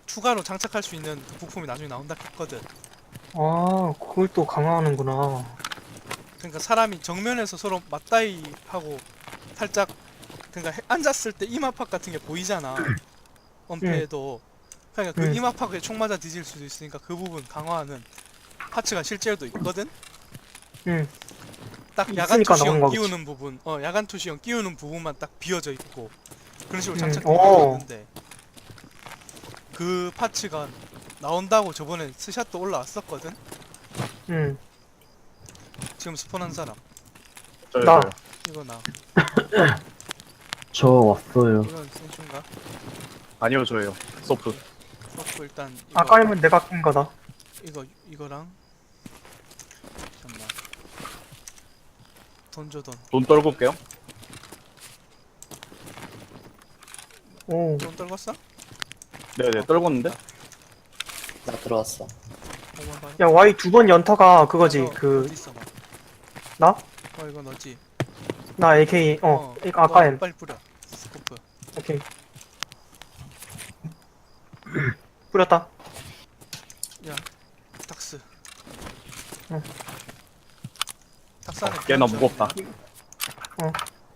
추가로 장착할 수 있는 그 부품이 나중에 나온다 했거든. 아, 그걸 또 강화하는구나. 그러니까 사람이 정면에서 서로 맞다이 하고 살짝, 그러니까 앉았을 때 이마팍 같은 게 보이잖아. 응, 엄폐에도. 그러니까 그 응, 이마팍에 총 맞아 뒤질 수도 있으니까 그 부분 강화하는 파츠가 실제로도 있거든. 응. 딱 야간 있으니까 나오는 투시형 거겠지. 끼우는 부분, 야간 투시형 끼우는 부분만 딱 비어져 있고 그런 식으로 응, 장착돼 있는 게 어, 있는데, 그 파츠가 나온다고 저번에 스샷도 올라왔었거든. 응. 지금 스폰한 사람 저요, 나, 저요. 이거 나 저 왔어요. 이건 센슈인가? 아니요, 저예요. 소프. 오케이. 서프 일단 이거 아까이면 내가 낀 거다. 이거랑 잠깐만 돈 줘 돈. 돈 떨고 올게요. 오, 돈 떨궜어? 네네, 떨궜는데? 나 들어왔어. 5만 원. 야, Y 두 번 연타가 그거지. 너 그, 어디 있어 봐. 나? 이거 너지. 나 AK, 이거 너 아까엔. 빨리 뿌려. 스코프. 오케이. 뿌렸다. 야, 닥스. 응. 닥스 안에 꽤나 비염 무겁다. 좀 있네. 어.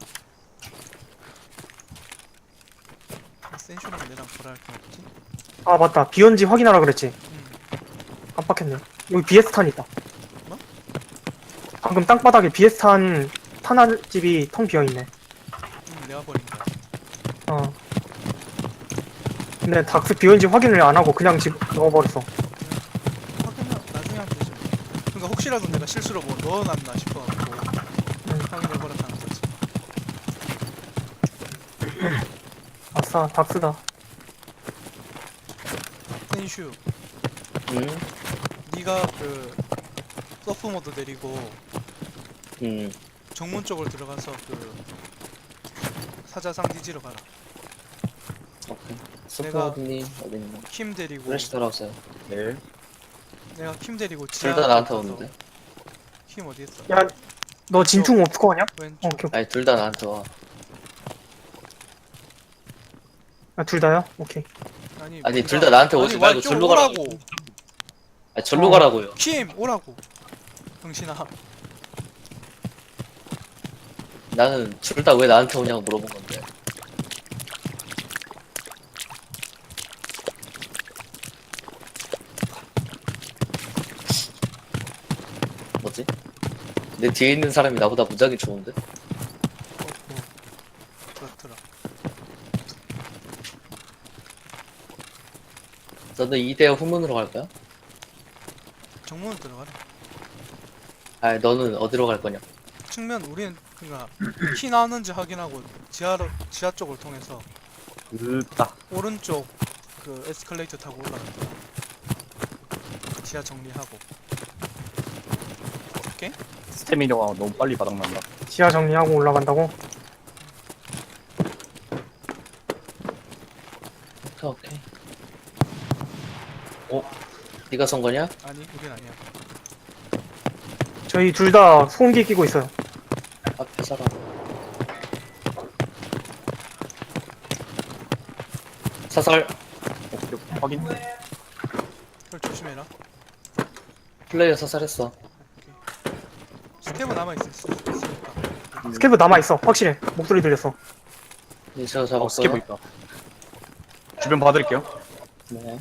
센슈랑 내랑 뭐라 할 거 없지? 아, 맞다. 비온지 확인하라 그랬지. 응. 깜빡했네. 여기 BS탄 있다. 뭐? 방금 땅바닥에 BS탄 탄환집이 텅 비어있네. 내가 버린 거야. 어. 근데 닥스 비온지 확인을 안 하고 그냥 집 넣어버렸어. 확인하 나중에 하면 되죠. 그러니까 혹시라도 내가 실수로 뭐 넣어놨나 싶어갖고 확인해버렸다는 거지. 아싸, 닥스다. 센슈, 응? 네가 그 서프 모드 내리고 응. 정문 쪽으로 들어가서 그 사자상 뒤지러 가라. 오케이. 내가- 스포드님 어딨나? 킴 데리고 플래시 따라오세요. 네. 내가 킴 데리고 둘 지하 다 나한테 가서- 오는데. 킴 어디 있어? 야, 너 진충 없을 거 아니야? 왼쪽. 오케이, 오케이. 아니 둘 다 나한테 와. 아, 둘 다요? 오케이. 아니 둘 다 나한테 오지 말고 왼쪽 절로 가라고. 오라고. 아니 절로 가라고요. 킴 오라고. 정신아. 나는 둘 다 왜 나한테 오냐고 물어본 건데. 뭐지? 내 뒤에 있는 사람이 나보다 무작위 좋은데? 그렇더라. 너는 2대 후문으로 갈 거야? 정문 들어가래. 아니 너는 어디로 갈 거냐? 측면 우리는 그니까 키 나오는지 확인하고 지하 쪽을 통해서 으따. 오른쪽 그 에스컬레이터 타고 올라갈 거야. 지하 정리하고. 오케이? 스태미너가 너무 빨리 바닥난다. 지하 정리하고 올라간다고? 오케이. 네가 선 거냐? 아니 우린 아니야. 저희 둘 다 소음기 끼고 있어요. 앞에 사람. 사설. 오케이, 확인. 그걸 조심해라. 플레이어 사살했어. 스케브 남아있으니까. 스케브 남아있어. 확실해. 목소리 들렸어. 네, 제가 잡았어요. 스케브 있다. 주변 봐드릴게요. 네.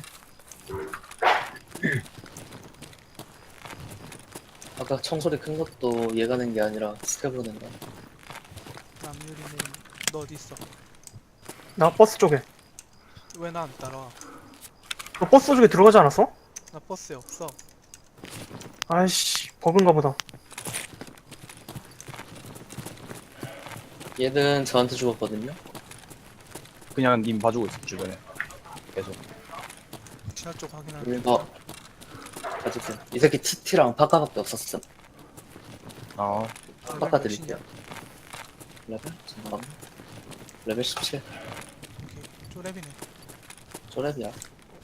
아까 청소리 큰 것도 얘가 낸 게 아니라 스케브로 낸 거야. 남유리는 너 어디 있어? 나 버스 쪽에. 왜 나 안 따라와? 너 버스 쪽에 들어가지 않았어? 나 버스에 없어. 아이씨, 버그인가 보다. 얘는 저한테 죽었거든요. 그냥 님 봐주고 있어, 주변에. 계속. 지하 쪽 확인하는. 이거 가지세요. 이 새끼 TT랑 파카밖에 없었어. 아, 파카 드릴게요. 레벨? 잠깐만. 레벨 17. 오케이. 쪼랩이네. 쪼랩이야.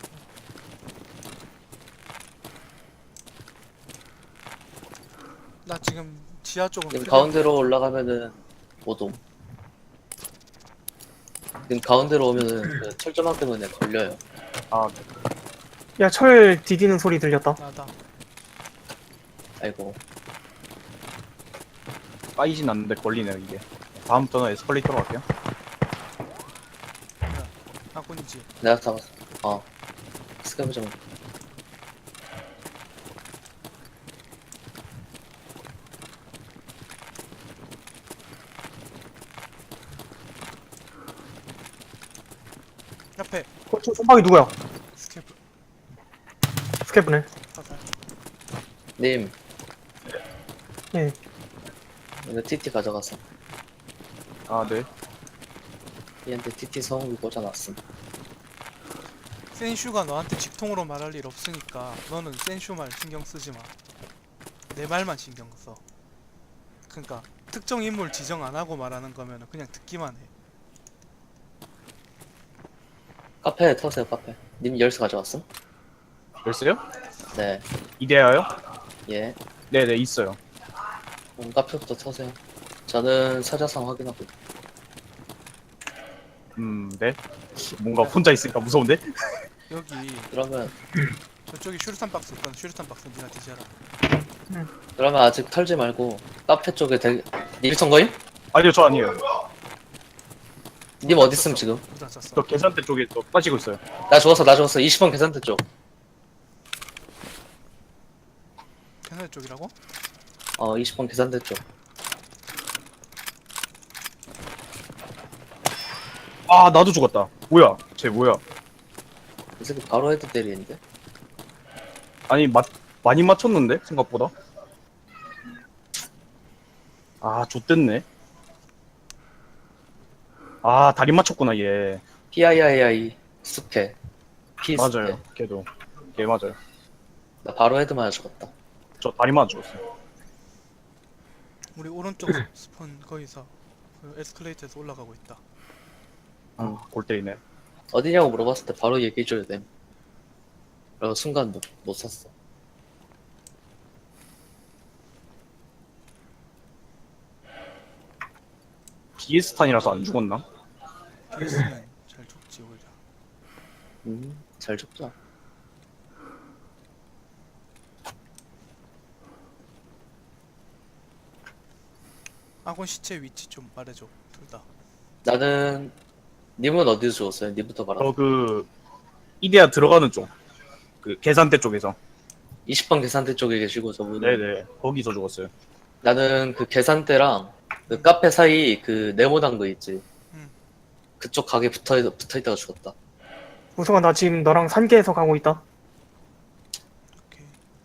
나 지금 지하 쪽으로 여기 가운데로 올라가면은 오돔. 지금 가운데로 오면은 그 철조망 때문에 걸려요. 아, 야, 철 디디는 소리 들렸다. 나다. 아이고. 까이진 않는데 걸리네요, 이게. 다음부터는 에스컬레이터로 갈게요. 아군이지. 내가 잡았어. 스캐브 좀. 옆에 저 손박이 누구야? 스케프 스케프네. 사살. 님, 예. 이거 TT 가져가서. 아, 네. 얘한테 TT 성우기 꽂아놨음. 센슈가 너한테 직통으로 말할 일 없으니까 너는 센슈 말 신경 쓰지 마. 내 말만 신경 써. 그러니까 특정 인물 지정 안 하고 말하는 거면은 그냥 듣기만 해. 카페 터세요, 카페. 님 열쇠 가져왔음? 열쇠요? 네. 이데아요? 예. 네네, 있어요. 카페부터 터세요. 저는 사자상 확인하고. 네. 뭔가 혼자 있으니까 무서운데? 여기 그러면, 저쪽에 슈르탄 박스 있거든. 슈르탄 박스 니가 뒤져라. 그러면 아직 털지 말고, 카페 쪽에 님 선거임? 아니요, 저 아니에요. 님 어딨음, 지금? 묻었었어. 저 계산대 쪽에 또 빠지고 있어요. 나 죽었어. 20번 계산대 쪽. 캐나다 쪽이라고? 20번 계산대 쪽. 아, 나도 죽었다. 뭐야? 쟤 뭐야? 이 새끼 바로 헤드 때리는데? 아니, 많이 맞췄는데? 생각보다? 아, 좆됐네. 아, 다리 맞췄구나, 얘. PIII 스페. P 스페. 맞아요. 걔도. 걔 맞아요. 나 바로 헤드 맞아 죽었다. 저 다리 맞아 죽었어요. 우리 오른쪽 스폰 거기서 그 에스컬레이터에서 올라가고 있다. 골 때리네. 어디냐고 물어봤을 때 바로 얘기해줘야 돼. 그리고 순간 못 샀어. 비에스탄이라서 안 죽었나? BS는 잘 죽지 오히려. 잘 죽자. 아군 시체 위치 좀 말해줘. 둘 다. 나는, 님은 어디서 죽었어요? 님부터 말하. 이데아 들어가는 쪽. 그 계산대 쪽에서. 20번 계산대 쪽에 계시고 저분은. 네네. 거기서 죽었어요. 나는 그 계산대랑 그 카페 사이 그 네모난 거 있지. 음. 그쪽 가게 붙어있다가 죽었다. 우성아, 나 지금 너랑 산계에서 가고 있다. 오케이.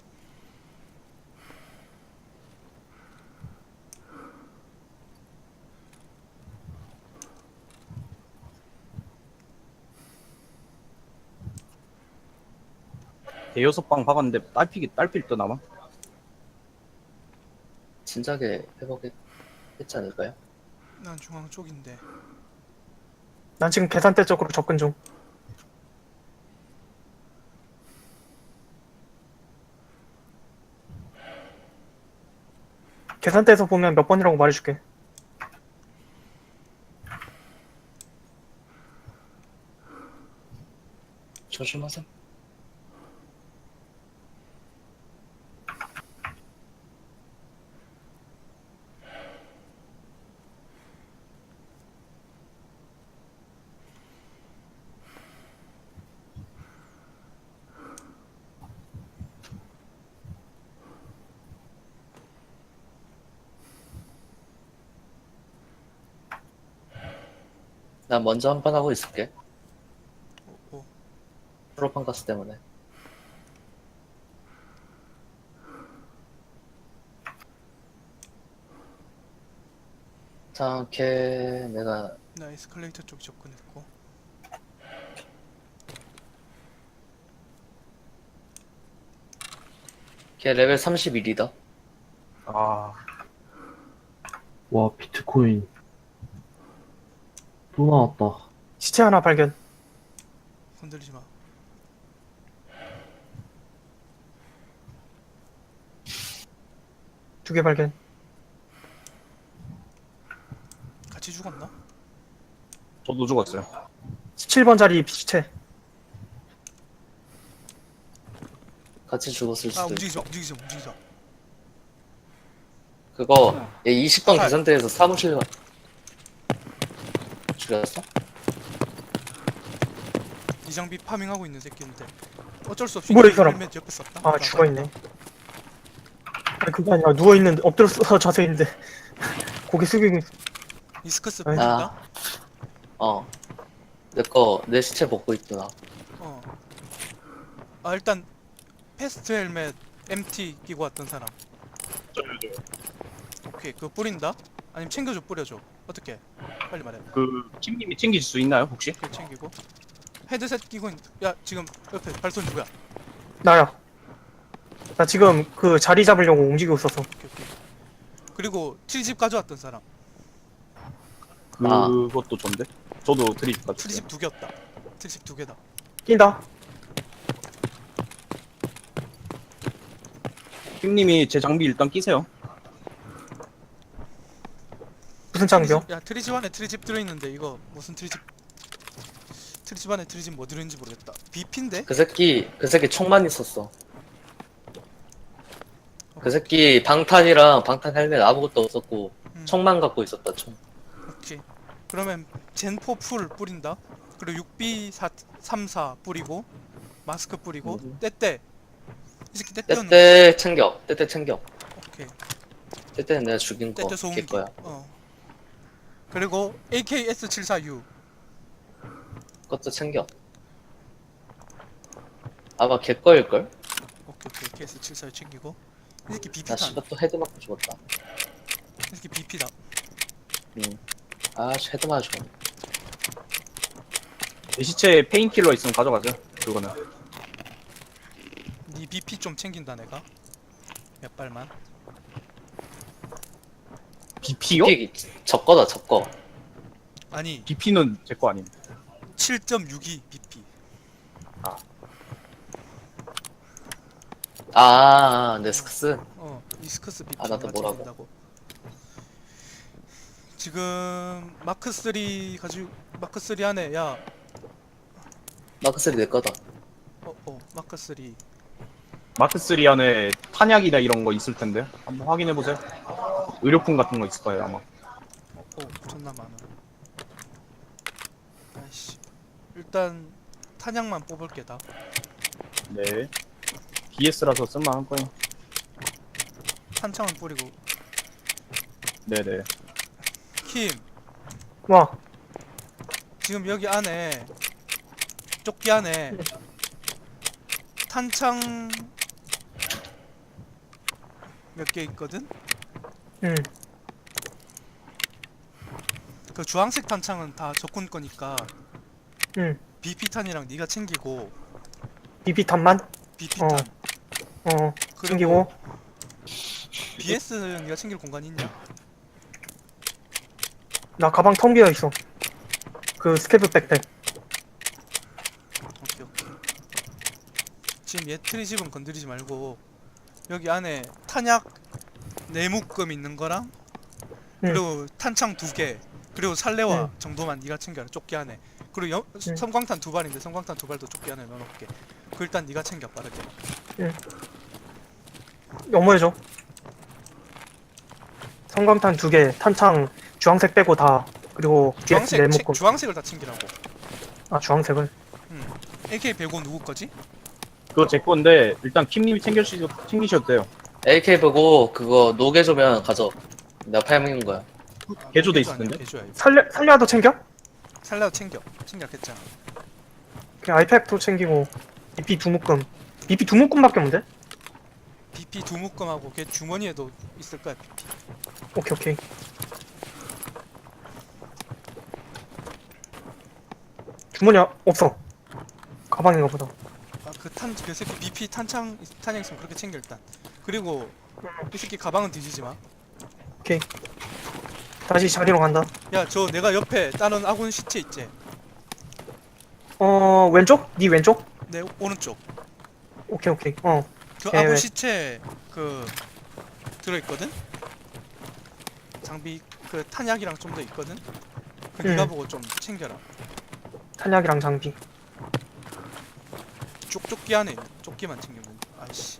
대여섯 방 박았는데 딸필 듯 아마? 진작에 회복했지 않을까요? 난 중앙 쪽인데. 난 지금 계산대 쪽으로 접근 중. 계산대에서 보면 몇 번이라고 말해줄게. 조심하세요. 난 먼저 한 판 하고 있을게. 오. 프로판 가스 때문에. 자, 걔 내가 나 에스컬레이터 쪽 접근했고. 걔 레벨 31이다. 아, 와, 비트코인 또 나왔다. 시체 하나 발견. 건들리지 마. 두 개 발견. 같이 죽었나? 저도 죽었어요. 17번짜리 시체. 같이 죽었을 아 수도 있고. 움직이지 마. 그거 얘 20번 아. 계산대에서 사무실 죽였어? 이장비 파밍하고 있는 새끼인데 어쩔 수 없이 뭐야, 이 사람? 헬멧 옆에 썼다. 아, 죽어있네. 아니, 그게 아니라 누워있는데, 엎드려서 자세인데, 고개 숙이고 있어. 이스커스 아이. 보인다. 어. 내 시체 먹고 있구나. 어. 아 일단 패스트 헬멧 MT 끼고 왔던 사람. 오케이 그거 뿌린다? 아니면 챙겨줘 뿌려줘. 어떻게? 빨리 말해. 그 킴님이 챙기실 수 있나요 혹시? 오케이 챙기고. 헤드셋 끼고 야 지금 옆에 발소리 누구야? 나야. 나 지금 그 자리 잡으려고 움직이고 있었어. 오케이. 그리고 트리집 가져왔던 사람. 아. 그것도 좋은데? 저도 드립 가지고. 트리집 2개였다. 트리집 2개다. 낀다. 킴님이 제 장비 일단 끼세요. 무슨 장비요? 야 트리집 안에 트리집 들어있는데 이거 무슨 트리집? 트리집 안에 트리집 뭐 들어있는지 모르겠다. BP인데? 그 새끼 총만 있었어. 그 새끼 방탄이랑 방탄 헬멧 아무것도 없었고 총만 갖고 있었다 총. 오케이. 그러면 젠포 풀 뿌린다. 그리고 6B34 뿌리고 마스크 뿌리고 떼떼. 이 새끼 떼떼는 떼떼 챙겨. 오케이. 떼떼는 내가 죽인 거. 떼떼 걔 소음기. 거야. 그리고 AKS74U. 그것도 챙겨. 아마 걔 거일걸? 오케이. AKS74U 챙기고. 이 새끼 나 BP다. 씨발 또 헤드 맞고 죽었다. 이 새끼 BP다. 아 헤드 맞아. 내 시체에 페인킬러 있으면 가져가세요. 그거는. 니 BP 좀 챙긴다 내가. 몇 발만. BP요? 이게 적거다 적거. 아니 BP는 제 거 아님. 7.62 BP. 네스크스. 이스커스 BP 아, 나도 뭐라고. 챙긴다고. 지금 마크 3 가지고 마크 3 안에 야 마크3 내 거다. 마크 3 마크3 안에 탄약이나 이런 거 있을 텐데. 한번 확인해 보세요. 의료품 같은 거 있을 거예요 아마. 존나 많아. 아이씨. 일단 탄약만 뽑을게 다. 네. BS라서 쓸만한 거예요. 탄창은 뿌리고. 네네. 킴 와, 지금 여기 안에 조끼 안에 탄창 몇 개 있거든? 응. 그 주황색 탄창은 다 적군 거니까 응. BP 탄이랑 네가 챙기고 BB탄만? BP 탄 챙기고. BS는 네가 챙길 공간이 있냐? 나 가방 텅 비어 있어. 그 스케프 백팩. 오케이. 지금 얘 트리집은 건드리지 말고 여기 안에 탄약 4묶음 있는 거랑 그리고 탄창 2개 그리고 살레와 정도만 네가 챙겨라. 조끼 안에. 그리고 섬광탄 2발인데 섬광탄 2발도 조끼 안에 넣어놓을게. 그 일단 네가 챙겨 빠르게. 영모해줘. 성광탄 2개, 탄창 주황색 빼고 다. 그리고 BS 네모금. 주황색을 다 챙기라고. 아, 주황색을. AK105 누구 거지? 그거 제 건데 일단 킴님이 챙기셔도 돼요. AK 보고 그거 노게조면 가져. 내가 팔먹는 거야. 개조돼 개조 있을 텐데? 아니야, 개조야, 이거. 살려도 챙겨? 살라도 챙겼겠잖아. 그냥 아이팩도 챙기고. BP 2묶음. BP 2묶음밖에 없는데? BP 2묶음하고 걔 주머니에도 있을 거야. BP. 오케이. 주머니 없어. 가방인가 보다. 그 새끼 BP 탄약 있으면 그렇게 챙겨 일단. 그리고 이 새끼 가방은 뒤지지 마. 오케이. 다시 자리로 간다. 야, 저 내가 옆에 다른 아군 시체 있지? 왼쪽? 네 왼쪽? 내 오른쪽. 오케이. 그 네, 아군 네. 시체 들어있거든? 장비 그 탄약이랑 좀 더 있거든? 그 네가 응. 보고 좀 챙겨라. 탄약이랑 장비. 쪽조끼 안에 있는 조끼만 챙기면 돼. 아이씨.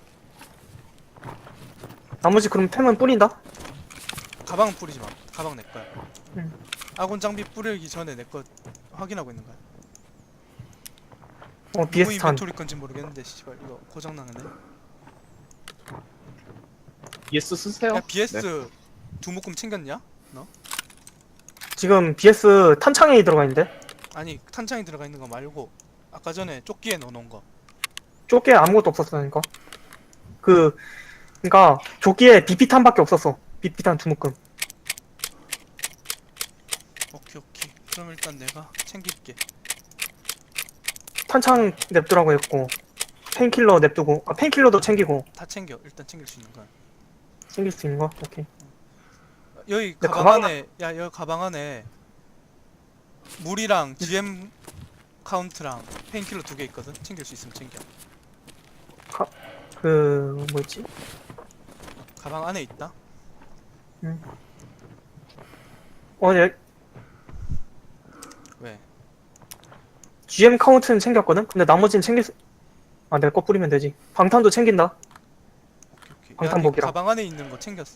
나머지 그럼 템은 뿌린다? 가방은 뿌리지 마. 가방 내 거야. 응. 아군 장비 뿌리기 전에 내 거 확인하고 있는 거야. 누구 BS 탄. 인벤토리 건지 모르겠는데 씨발 이거 고장 나네. BS 쓰세요. 야 BS 네. 두 묶음 챙겼냐? 지금 BS 탄창에 들어가 있는데? 아니 탄창이 들어가 있는 거 말고 아까 전에 조끼에 넣어놓은 거. 조끼에 아무것도 없었으니까. 그니까 조끼에 BP탄밖에 없었어. BP탄 두 묶음. 오케이 오케이. 그럼 일단 내가 챙길게. 탄창 냅두라고 했고 페인킬러 냅두고 페인킬러도 챙기고 다 챙겨. 일단 챙길 수 있는 건. 챙길 수 있는 거? 오케이. 여기 근데 가방 가방- 안에 야 여기 가방 안에 물이랑 GM 카운트랑 페인킬러 2개 있거든. 챙길 수 있으면 챙겨. 뭐였지? 가방 안에 있다. 얘 왜? GM 카운트는 챙겼거든? 근데 나머지는 내 거 뿌리면 되지. 방탄도 챙긴다. 오케이. 야, 네 방탄복이랑. 가방 안에 있는 거 챙겼어?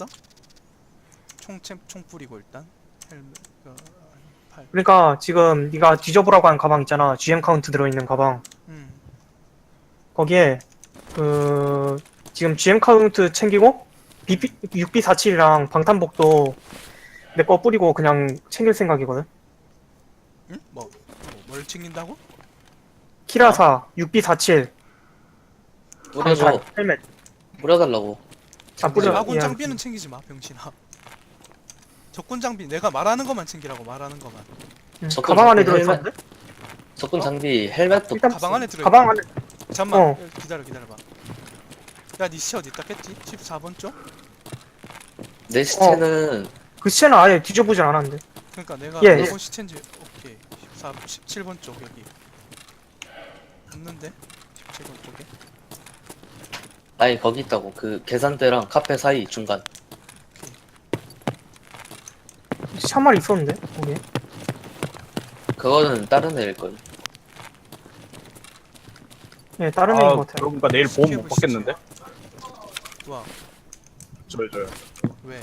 총 뿌리고 일단 헬멧 팔. 그러니까 지금 네가 뒤져보라고 한 가방 있잖아. GM 카운트 들어있는 가방. 음. 거기에 지금 GM 카운트 챙기고 UB47이랑 방탄복도 내 거 뿌리고 그냥 챙길 생각이거든. 응? 뭘 챙긴다고? 키라사, UB47, 뿌려줘. 방탄, 헬멧. 뿌려달라고. 뿌려. 아군 예. 장비는 챙기지 마, 병신아. 적군 장비 내가 말하는 것만 챙기라고 말하는 것만. 적군 가방 안에 장비 들어있었는데? 적군 장비 헬멧도 일단 가방 안에 들어. 가방 안에 잠만 어. 기다려봐. 야, 니 시체 어디 있다겠지? 14번 쪽? 내 시체는 그 시체는 아예 뒤져보진 않았는데. 그러니까 내가 예, 일본 시체인지 오케이. 17번 쪽 여기. 없는데? 17번 쪽에. 아니 거기 있다고. 그 계산대랑 카페 사이 중간. 시체 한 마리 있었는데 거기. 그거는 다른 애일 걸. 예, 다른 애인 것 같아요. 그러니까 내일 보험 못 스케브 받겠는데? 와, 저요. 왜?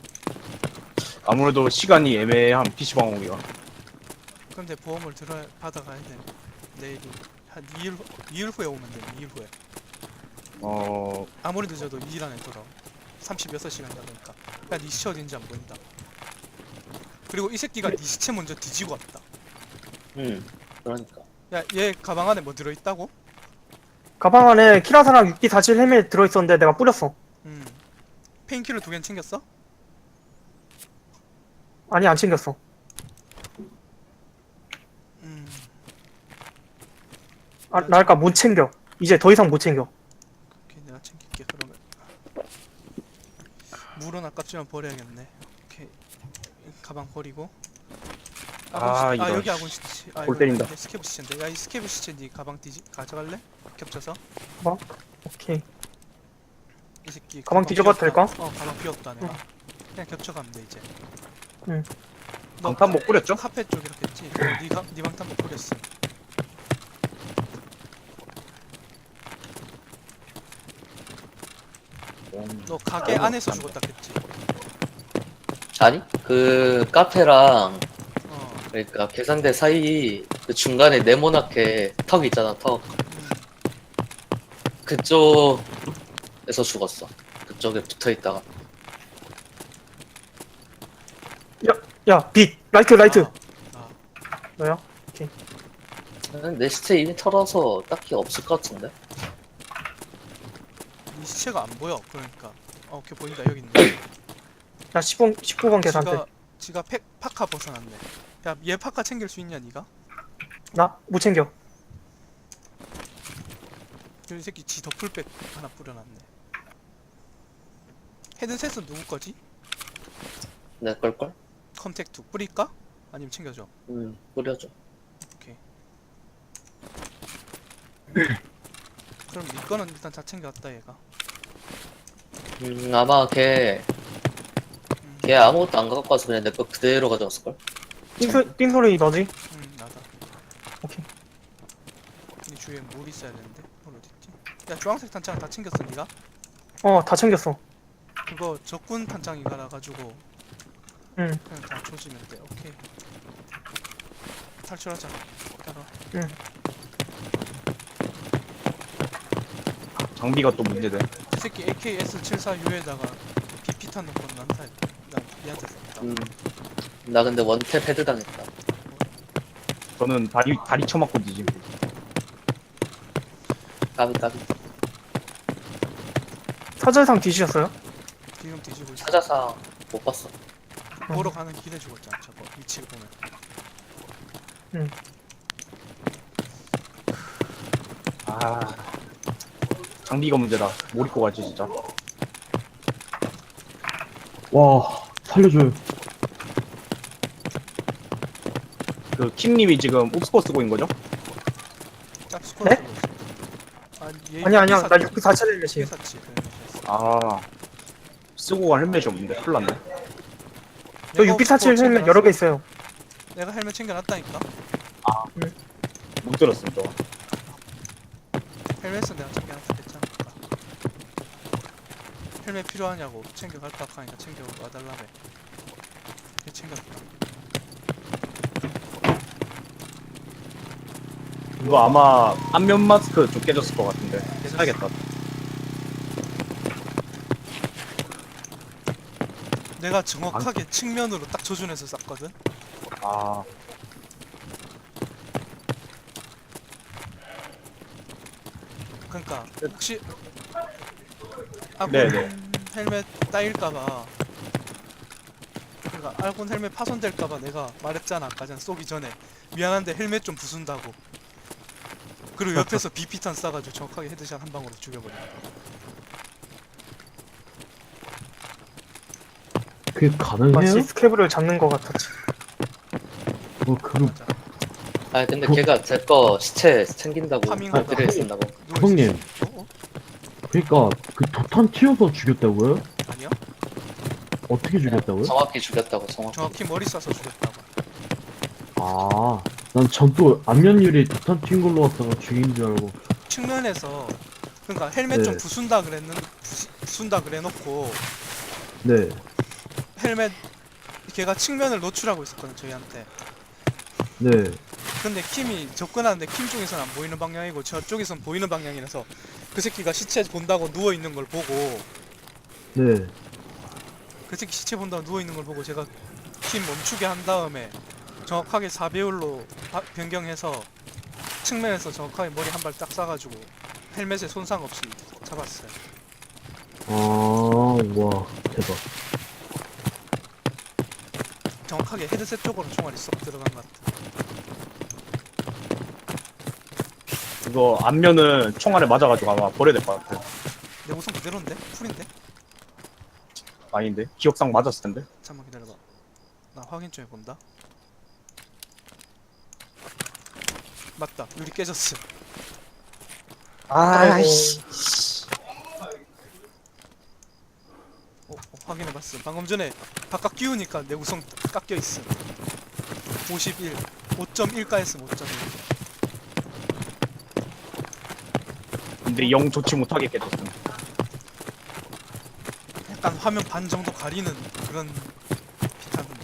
아무래도 시간이 애매한 PC방 오기가. 근데 보험을 받아가야 돼. 내일 한 2일 후에 오면 돼. 2일 후에. 아무리 늦어도 2일 안에 돌아. 36시간이다 보니까. 야, 니 시체 어딘지 안 보인다. 그리고 이 새끼가 니 시체 먼저 뒤지고 왔다. 그러니까. 야, 얘 가방 안에 뭐 들어있다고? 가방 안에 키라사랑 6B47 헬멧 들어있었는데 내가 뿌렸어. 페인킬러 2개는 챙겼어? 아니 안 챙겼어. 나니까 못 챙겨. 이제 더 이상 못 챙겨. 오케이, 내가 챙길게 그러면. 물은 아깝지만 버려야겠네. 오케이, 가방 버리고. 이런 여기 아군 시체. 골 때린다. 이거 스케브 시체인데. 야, 이 스케브 시체 니 가방 가져갈래? 겹쳐서. 오케이. 이 새끼 가방 뒤져봐도 비웠다. 될까? 가방 비웠다 내가. 그냥 겹쳐가면 돼 이제. 응. 너 방탄복 뿌렸죠? 카페 쪽 이렇게 했지? 니 방탄복 뿌렸어. 너 가게 안에서 죽었다 했지? 아니? 그 카페랑 어. 그러니까 계산대 사이 그 중간에 네모나게 턱 있잖아. 턱. 그쪽에서 죽었어. 그쪽에 붙어 있다가. 야, 빛! 라이트! 아, 너야? 내 시체 이미 털어서 딱히 없을 것 같은데? 니 시체가 안 보여. 그러니까. 오케이, 보인다. 여기 있네. 야, 19번 계산대. 지가 파카 벗어났네. 야, 얘 파카 챙길 수 있냐 니가? 나? 못 챙겨. 이 새끼 지 더플백 하나 뿌려놨네. 헤드셋은 누구 거지? 내 걸걸? 컨택2 뿌릴까? 아니면 챙겨줘? 뿌려줘. 오케이. 그럼 니 거는 일단 다 챙겨왔다 얘가. 아마 걔 아무것도 안 갖고 와서 그냥 내 거 그대로 가져왔을걸? 띵소리 너지? 나다. 오케이. 이 주위에 물 있어야 되는데. 물 어딨지? 야, 주황색 탄창 다 챙겼어, 니가? 다 챙겼어. 그거 적군 탄창이라 가지고 응. 그냥 다 조지면 돼. 오케이. 탈출하자. 따라. 장비가 또 문제돼. 이 새끼 AKS-74U에다가 BP탄 넣고 난타. 나 얘한테 썼다. 나 근데 원탭 헤드 당했다. 저는 다리 쳐맞고 뒤짐. 까비 까비. 사절상 뒤지셨어요? 지금 뒤지고 있어. 사자상 못 봤어. 보러 가는 길에 죽었잖아. 저거 위치를 보면. 아, 장비가 문제다. 뭘 입고 가지 진짜. 와, 살려줘요. 그 킴님이 지금 옵스코 쓰고 있는 거죠? 짭스코어 네? 쓰고 있어. 얘 아니야. 나 사치. 694 헬멧이에요. 사치. 헬멧이었어. 아, 쓰고 갈 헬멧이 없는데 큰일 났네. 저 내가 647 옵스코어 헬멧 여러 개 있어요. 내가 헬멧 챙겨놨다니까. 못 들었음 저. 헬멧은 내가 챙겨놨다 했잖아. 헬멧 필요하냐고 챙겨갈까 하니까 챙겨와달라며. 걔 챙겼다. 이거 아마 안면 마스크 좀 깨졌을 것 같은데 사야겠다. 내가 정확하게 측면으로 딱 조준해서 쐈거든. 아, 그러니까 혹시 아군 네네. 헬멧 따일까봐, 그러니까 아군 헬멧 파손될까봐 내가 말했잖아 아까 전 쏘기 전에. 미안한데 헬멧 좀 부순다고. 그리고 옆에서 BP탄 쏴가지고 정확하게 헤드샷 한 방으로 죽여버려. 그게 가능해요? 마치 스케브를 잡는 것 같았지. 그거 맞아. 아 근데 그- 걔가 제 거 시체 챙긴다고 파밍하다가. 어디를 쓴다고. 형님. 어? 그러니까 그 도탄 튀어서 죽였다고요? 아니야? 어떻게 죽였다고요? 정확히 죽였다고 정확히. 정확히 머리 쏴서 죽였다고. 아, 난 전 또 안면 유리 도탄 튄 걸로 왔다가 죽인 줄 알고. 측면에서, 그러니까 헬멧 좀 네. 부순다 그래놓고 네. 헬멧 걔가 측면을 노출하고 있었거든 저희한테. 네. 근데 킴이 접근하는데 킴 쪽에서는 안 보이는 방향이고 저쪽에선 보이는 방향이라서 그 새끼가 시체 본다고 누워있는 걸 보고, 네. 그 새끼 시체 본다고 누워있는 걸 보고 제가 킴 멈추게 한 다음에 정확하게 4배율로 변경해서 측면에서 정확하게 머리 한 발 딱 쏴가지고 헬멧에 손상 없이 잡았어요. 아, 와, 대박. 정확하게 헤드셋 쪽으로 총알이 쏙 들어간 것 같아. 이거 안면은 총알에 맞아가지고 아마 버려야 될 것 같아. 내 우선 그대로인데? 풀인데? 아닌데 기억상 맞았을 텐데. 잠깐만 기다려봐. 나 확인 좀 해본다. 맞다. 유리 깨졌어. 아이씨. 확인해봤어. 방금 전에 바깥 끼우니까 내 우선 깎여있어. 51. 5.1가했음 5.1. 근데 영 좋지 못하게 깨졌음. 약간 화면 반 정도 가리는 그런 비타민데.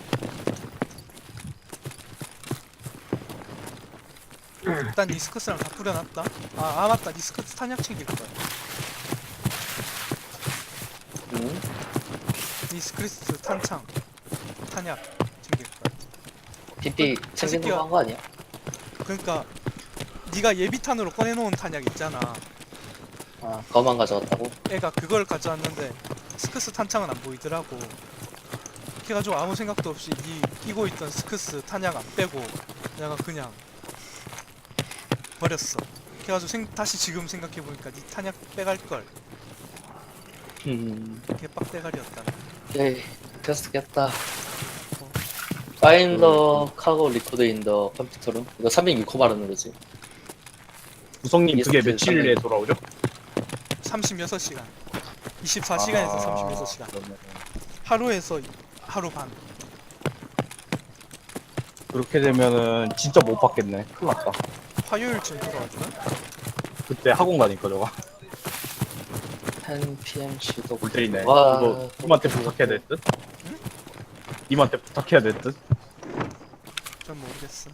일단 니스커스랑 다 뿌려놨다. 아 맞다. 니스커스 탄약 챙길 거야. 응? 니스크리스 탄창 탄약 챙길 거야. PP 챙기는 거 한 거 아니야? 그러니까 네가 예비탄으로 꺼내놓은 탄약 있잖아. 아 그거만 가져왔다고? 애가 그걸 가져왔는데 스크스 탄창은 안 보이더라고. 그래가지고 아무 생각도 없이 네 끼고 있던 스크스 탄약 안 빼고 내가 그냥 버렸어. 그래가지고 다시 지금 생각해보니까 네 탄약 빼갈걸. 개빡대가리였다. 오케이 됐겠다. Find the cargo record in the computer room. 이거 306호 말하는 거지. 구성님 그게 예스트 며칠에 돌아오죠? 36시간 24시간에서 36시간 그러면 하루에서 하루 반. 그렇게 되면은 진짜 못 받겠네. 큰일 났다. 화요일쯤 돌아와주나? 그때 학원 가니까 저거. 10pm 시도. 볼 때리네. 와, 이거 님한테 부탁해야 될 듯? 님한테 부탁해야 될 듯? 전 모르겠어.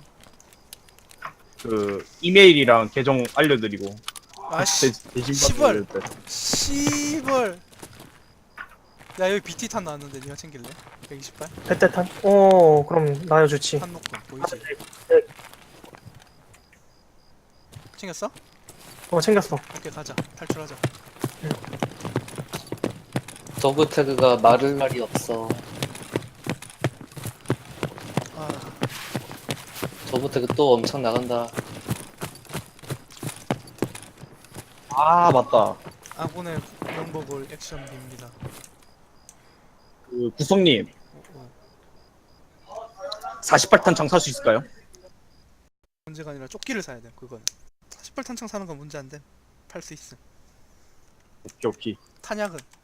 그 이메일이랑 계정 알려드리고 아씨 대신 시벌. 받을 때. 씨벌. 야 여기 BT탄 나왔는데 니가 챙길래? 128? 배때탄? 어, 그럼 나야 좋지. 탄노건 보이지? 챙겼어? 어, 챙겼어. 오케이 가자 탈출하자. 더브 태그가 마를 날이 없어. 아 더브 태그 또 엄청 나간다. 아 맞다. 아군의 명복을 액션비입니다. 그 구성님 어. 48탄 창 살 수 있을까요? 문제가 아니라 조끼를 사야 돼 그거는. 48탄창 사는 건 문제 안 돼. 팔 수 있음. 오케이 오케이. 탄약은